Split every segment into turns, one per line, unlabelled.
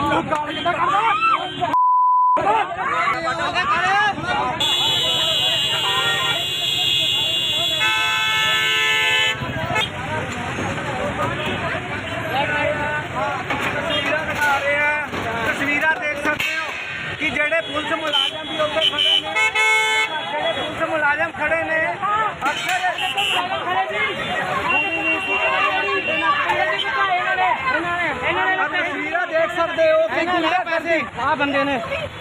तस्वीरां देख सकते हो कि जेडे पुलिस मुलाजम भी उत्ते खड़े ने, जेडे पुलिस मुलाजम खड़े ने तस्वीरां देख सकते हो कि कितने पैसे आ बंदे ने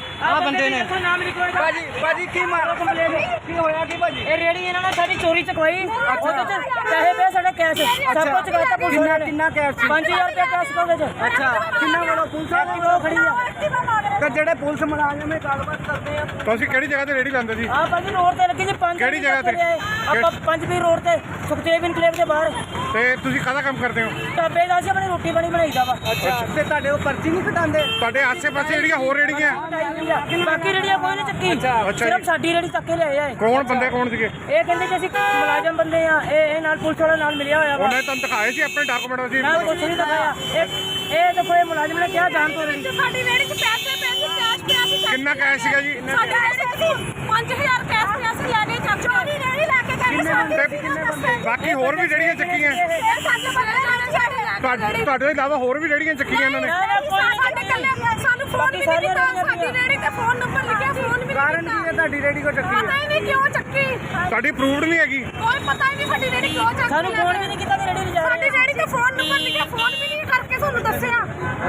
भाजी की मारो कंप्लेन की होया कि भाजी
ਇਹ ਰੇੜੀ ਇਹਨਾਂ ਨੇ ਸਾਡੀ ਚੋਰੀ ਚਕਵਾਈ ਉਹਦੇ ਚ ਪੈਸੇ ਪਏ ਸਾਡੇ ਕੈਸ਼ ਸਭ ਕੁਝ ਚਕਾਤਾ ਪੁਲਿਸ ਨੇ
कितना कैश
5000 ਰੁਪਏ ਕੈਸ਼ ਕੋਲੇ ਚ
अच्छा कितना वाला पुलिस
ਸਾਡੀ ਉਹ ਖੜੀ ਆ
ਤੇ ਜਿਹੜੇ ਪੁਲਿਸ ਮੁਲਾਜ਼ਮ ਇਹ ਗੱਲਬਾਤ ਕਰਦੇ ਆ।
ਤੁਸੀਂ ਕਿਹੜੀ ਜਗ੍ਹਾ ਤੇ ਰੇੜੀ ਲਾਉਂਦੇ ਸੀ?
ਆ ਭਾਜੀ ਰੋਡ ਤੇ ਲੱਗੀ ਜੀ 5
ਕਿਹੜੀ ਜਗ੍ਹਾ ਤੇ?
ਆਪਾਂ 5 ਵੀ ਰੋਡ ਤੇ ਸੁਖਦੇਵ ਇਨਕਲੇਵ ਦੇ ਬਾਹਰ
ਤੇ ਤੁਸੀਂ ਕਾਹਦਾ ਕੰਮ ਕਰਦੇ ਹੋ?
ਢਾਬੇ ਦਾ ਸੀ ਆਪਣੀ ਰੋਟੀ ਪਾਣੀ ਬਣਾਈਦਾ ਵਾ
ਅੱਛਾ ਤੇ ਤੁਹਾਡੇ ਉਹ ਪਰਚੀ ਨਹੀਂ ਕਟਾਉਂਦੇ?
ਤੁਹਾਡੇ ਆਸੇ-ਪਾਸੇ ਜਿਹੜੀਆਂ ਹੋਰ ਰੇੜੀਆਂ
ਬਾਕੀ ਰੇੜੀਆਂ ਕੋਈ ਨਹੀਂ ਚੱਕੀ
ਅੱਛਾ
ਸਿਰਫ
ਜੀ।
ਸਾਡੀ ਰੇੜੀ ਚੱਕੇ ਲਿਆਏ ਆ
ਕੌਣ ਬੰਦੇ ਕੌਣ ਸੀਗੇ?
ਇਹ ਕਹਿੰਦੇ ਕਿ ਅਸੀਂ ਮੁਲਾਜ਼ਮ ਬੰਦੇ ਆ ਇਹ ਨਾਲ ਪੁਲਿਸ ਵਾਲਾ ਨਾਲ ਮਿਲਿਆ ਹੋਇਆ ਵਾ
ਉਹਨੇ ਤੁਹਾਨੂੰ ਦਿਖਾਏ ਸੀ ਆਪਣੇ ਡਾਕੂਮੈਂਟ ਸੀ?
ਨਾ ਕੁਛ ਨਹੀਂ ਦਿਖਾਇਆ ਇਹ ਦੇਖੋ ਇਹ ਮੁਲਾਜ਼ਮ ਨੇ ਕਿਹਾ ਜਾਣ ਤੋਂ ਰੇੜੀ
ਸਾਡੀ ਰੇੜੀ 'ਚ ਪੈਸੇ ਕੈਸ਼ ਪਿਆ ਸੀ
ਕਿੰਨਾ ਕੈਸ਼ ਸੀਗਾ ਜੀ?
ਸਾਡੇ ਰੇੜੀ 'ਚ 5000 ਕੈਸ਼ ਪਿਆ ਸੀ ਲੈਣੇ ਚੱਕ ਚੋਰੀ ਰੇੜੀ ਲੈ ਕੇ ਗਏ ਸਾਡੇ
ਬਾਕੀ ਹੋਰ ਵੀ ਜਿਹੜੀਆਂ ਚੱਕੀਆਂ
ਇਹ ਸਾਡੇ ਬੰਦੇ ਜਾਣੇ ਸਾਡੇ ਲੈ
ਤੁਹਾਡੇ ਤੋਂ ਇਲਾਵਾ ਹੋਰ ਵੀ ਜਿਹੜੀਆਂ ਚੱਕੀਆਂ ਇਹਨਾਂ ਨੇ?
ਸਾਡੇ ਕੱਲੇ ਸਾਨੂੰ ਫੋਨ ਵੀ ਨਹੀਂ ਕੀਤਾ ਸਾਡੀ ਰੇੜੀ ਤੇ ਫੋਨ ਨੰਬਰ ਲਿਖਿਆ ਫੋਨ ਵੀ
ਕਾਰਨ ਕੀ ਹੈ ਤੁਹਾਡੀ ਰੇੜੀ ਕੋ ਚੱਕੀ
ਪਤਾ ਹੀ ਨਹੀਂ ਕਿਉਂ ਚੱਕੀ
ਤੁਹਾਡੀ ਅਪਰੂਵਡ ਨਹੀਂ ਹੈਗੀ?
ਕੋਈ ਪਤਾ ਹੀ ਨਹੀਂ ਸਾਡੀ ਰੇੜੀ ਕਿਉਂ ਚੱਕੀ
ਸਾਨੂੰ ਫੋਨ ਵੀ ਨਹੀਂ ਕੀਤਾ ਤੇ ਰੇੜੀ ਲਿਜਾ
ਸਾਡੀ ਰੇੜੀ ਤੇ ਫੋਨ ਨੰਬਰ ਲਿਖਿਆ ਫੋਨ ਵੀ ਨਹੀਂ ਕਰਕੇ ਤੁਹਾਨੂੰ ਦੱਸਿਆ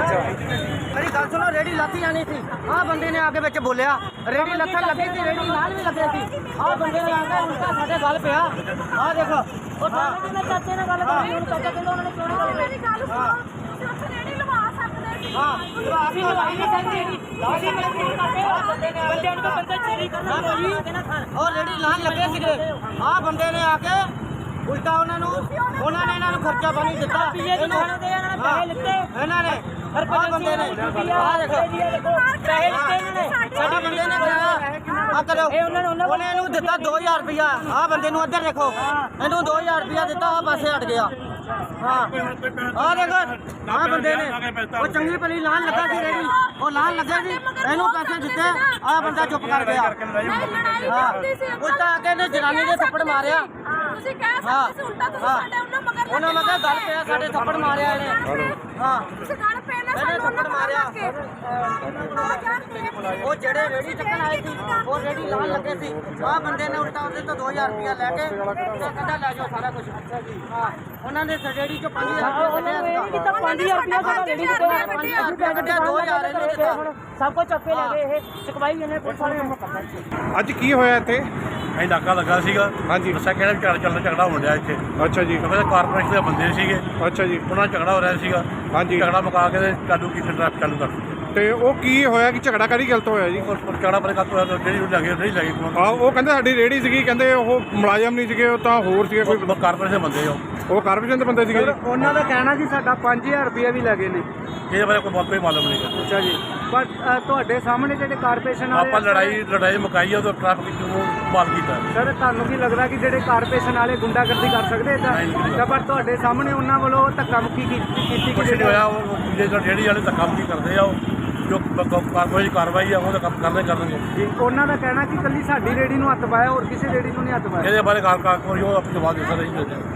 ਅਰੇ ਗੱਲ ਸੁਣੋ ਰੇੜੀ ਲਾਤੀ ਜਾਣੀ ਸੀ ਆਹ ਬੰਦੇ ਨੇ ਆ ਕੇ ਵਿੱਚ ਬੋਲਿਆ ਰੇੜੀ ਲੱਥਣ ਲੱਗੀ ਸੀ ਰੇੜੀ ਨਾਲ ਵੀ ਲੱਗੇ ਸੀ
ਆਹ ਬੰਦੇ ਨੇ ਆ ਕੇ ਉਲਟਾ ਸਾਡੇ ਗੱਲ ਪਿਆ ਆਹ ਦੇਖੋ ਉਹ ਥਾਣੇ ਦੇ ਨਾਲ ਚਾਚੇ ਨਾਲ ਗੱਲ ਕਰੀ ਹੁਣ ਚਾਚਾ ਕਹਿੰਦਾ ਉਹਨਾਂ ਨੇ ਕਿਉਂ ਨਹੀਂ ਗੱਲ
ਮੇਰੀ ਗੱਲ ਸੁਣੋ ਤੁਸੀਂ ਰੇੜੀ ਲਵਾ ਸਕਦੇ ਸੀ
ਅਸੀਂ ਲਵਾਈ ਨਹੀਂ ਸਕਦੇ ਅਸੀਂ ਬੰਦਿਆਂ ਨੂੰ ਬੰਦਾ ਚੋਰੀ ਕਰਨਾ ਕੋਈ ਕਹਿੰਦਾ ਖਾਣ
ਉਹ ਰੇੜੀ ਲਾਣ ਲੱਗੇ ਸੀਗੇ ਆਹ ਬੰਦੇ ਨੇ ਆ ਕੇ ਉਲਟਾ ਉਹਨਾਂ ਨੇ ਇਹਨਾਂ ਨੂੰ ਖਰਚਾ ਪਾਣੀ ਦਿੱਤਾ
ਪੀਏ ਦੀ ਖਾਣੇ ਦੇ ਇਹਨਾਂ ਨੇ ਪੈਸੇ ਲਿੱਤੇ
ਇਹਨਾਂ ਨੇ
ਹਰ
ਬੰਦੇ ਨੇ
ਆਹ ਦੇਖੋ ਪੈਸੇ ਲਿੱਤੇ ਇਹਨਾਂ ਨੇ
ਸਾਡੇ ਬੰਦੇ ਨੇ ਕਿਹਾ ਆ ਕਰੋ
ਇਹ ਉਹਨਾਂ ਨੇ
ਉਹਨੇ ਇਹਨੂੰ ਦਿੱਤਾ 2000 ਰੁਪਇਆ ਆਹ ਬੰਦੇ ਨੂੰ ਇੱਧਰ ਦੇਖੋ ਇਹਨੂੰ 2000 ਰੁਪਇਆ ਦਿੱਤਾ ਆਹ ਪਾਸੇ ਹਟ ਗਿਆ ਹਾਂ ਆਹ ਦੇਖੋ ਆਹ ਬੰਦੇ ਨੇ ਉਹ ਚੰਗੀ ਭਲੀ ਲਾਣ ਲੱਗਾ ਸੀ ਰੇੜੀ ਉਹ ਲਾਣ ਲੱਗਾ ਸੀ ਇਹਨੂੰ ਪੈਸੇ ਦਿੱਤੇ ਆਹ ਬੰਦਾ ਚੁੱਪ ਕਰ ਗਿਆ ਹਾਂ ਉਲਟਾ ਆ ਕੇ ਇਹਨੇ ਜਨਾਨੀ ਦੇ ਥੱਪੜ ਮਾਰਿਆ
ਤੁਸੀਂ ਕਹਿ ਸਕਦੇ ਸੀ ਉਲਟਾ ਤੁਸੀਂ ਸਾਡੇ ਉਹਨਾਂ ਮਗਰ
ਉਹਨਾਂ ਮਗਰ ਗੱਲ ਪਿਆ ਸਾਡੇ ਥੱਪੜ ਮਾਰਿਆ ਇਹਨੇ ਹਾਂ
ਤੁਸੀਂ ਗੱਲ ਪਏ ਨਾ
ਇਹਨੇ ਥੱਪੜ ਮਾਰਿਆ ਉਹ ਜਿਹੜੇ ਰੇੜੀ ਚੱਕਣ ਆਏ ਸੀ ਉਹ ਰੇੜੀ ਲਾਣ ਲੱਗੇ ਸੀ ਆਹ ਬੰਦੇ ਨੇ ਉਲਟਾ ਉਹਦੇ ਤੋਂ 2000 ਰੁਪਇਆ ਲੈ ਕੇ ਤੇ ਕਹਿੰਦਾ ਲੈ ਜਾਓ ਸਾਰਾ ਕੁਝ ਅੱਛਾ ਜੀ ਹਾਂ ਉਹਨਾਂ ਨੇ ਰੇੜੀ ਚੋਂ 5000 ਰੁਪਇਆ
ਇਹ ਨਹੀਂ ਕੀਤਾ 5000 ਰੁਪਇਆ ਸਾਡਾ ਰੇੜੀ ਦੇ ਦੋ ਸਭ ਕੁਝ ਚੱਕੇ ਲੈ ਗਏ ਇਹ ਚਕਵਾਈ ਇਹਨੇ ਪੁਲਿਸ ਵਾਲੇ ਨੂੰ
ਅੱਜ ਕੀ ਹੋਇਆ ਇੱਥੇ?
ਅਸੀਂ ਨਾਕਾ ਲੱਗਾ ਸੀਗਾ
ਹਾਂਜੀ
ਦੱਸਿਆ ਕਿਹੜਾ ਝਗੜਾ ਹੋਣ ਡਿਆ ਇੱਥੇ
ਅੱਛਾ ਜੀ
ਕਿਉਂਕਿ ਕਾਰਪੋਰੇਸ਼ਨ ਦੇ ਬੰਦੇ ਸੀਗੇ
ਅੱਛਾ ਜੀ
ਉਹਨਾਂ ਨਾਲ ਝਗੜਾ ਹੋ ਰਿਹਾ ਸੀਗਾ
ਹਾਂਜੀ
ਝਗੜਾ ਮੁਕਾ ਕੇ ਤੇ ਚਾਲੂ ਕੀਤੀ ਟ੍ਰੈਫਿਕ ਚਾਲੂ ਕਰ ਦਿੱਤੀ
ਤੇ ਉਹ ਕੀ ਹੋਇਆ ਕਿ ਝਗੜਾ ਕਰੀ ਗਲਤ ਹੋਇਆ ਜੀ?
ਉਹ ਝਗੜਾ ਪਰ ਕੱਟ ਹੋਇਆ ਜਿਹੜੀ ਉਹ ਲੱਗੇ ਨਹੀਂ ਲੱਗੇ
ਆ ਉਹ ਕਹਿੰਦੇ ਸਾਡੀ ਰੇੜੀ ਸੀਗੀ ਕਹਿੰਦੇ ਉਹ ਮੁਲਾਜ਼ਮ ਨਹੀਂ ਸੀਗੇ ਉਹ ਤਾਂ ਹੋਰ ਸੀਗੇ ਕੋਈ
ਕਾਰਪੋਰੇਸ਼ਨ ਦੇ ਬੰਦੇ
ਉਹ ਕਾਰਪੋਰੇਸ਼ਨ ਦੇ ਬੰਦੇ ਸੀਗੇ ਜੀ?
ਉਹਨਾਂ ਦਾ ਕਹਿਣਾ ਜੀ ਸਾਡਾ 5000 ਰੁਪਇਆ ਵੀ ਲੱਗੇ ਨੇ
ਇਹਦੇ ਬਾਰੇ ਕੋਈ ਮਾਲੂਮ ਨਹੀਂ ਗਾ।
ਅੱਛਾ ਜੀ ਪਰ ਤੁਹਾਡੇ ਸਾਹਮਣੇ ਜਿਹੜੇ ਕਾਰਪੋਰੇਸ਼ਨ
ਆਪਾਂ ਲੜਾਈ ਮੁਕਾਈ ਆ ਉਹ ਟ੍ਰੈਫਿਕ ਨੂੰ ਮਾਲ ਕੀਤਾ
ਸਰ ਤੁਹਾਨੂੰ ਕੀ ਲੱਗਦਾ ਕਿ ਜਿਹੜੇ ਕਾਰਪੋਰੇਸ਼ਨ ਵਾਲੇ ਗੁੰਡਾਗਰਦੀ ਕਰ ਸਕਦੇ ਤਾਂ ਪਰ ਤੁਹਾਡੇ ਸਾਹਮਣੇ ਉਹਨਾਂ ਵੱਲੋਂ ਧੱਕਾ ਮੁੱਕੀ ਕੀਤੀ
ਕੁਛ ਨਹੀਂ ਹੋਇਆ ਉਹ ਜਿਹੜੀ ਵਾਲੇ ਤਾਂ ਕੰਮ ਨਹੀਂ ਕਰਦੇ ਆ ਉਹ ਜੋ ਕਾਰਪੋਰੇਸ਼ਨ ਕਾਰਵਾਈ ਆ ਉਹ ਤਾਂ ਕੰਮ ਕਰਨਗੇ
ਉਹਨਾਂ ਦਾ ਕਹਿਣਾ ਕਿ ਕੱਲੀ ਸਾਡੀ ਰੇੜੀ ਨੂੰ ਹੱਥ ਪਾਇਆ ਹੋਰ ਕਿਸੇ ਰੇੜੀ ਨੂੰ ਨਹੀਂ ਹੱਥ ਪਾਇਆ
ਇਹਦੇ ਬਾਰੇ ਕਾਰਪੋਰੇਸ਼ਨ ਉਹ ਆਪਣੀ ਜਵਾਬ ਦੇ ਸਕਦਾ ਨਹੀਂ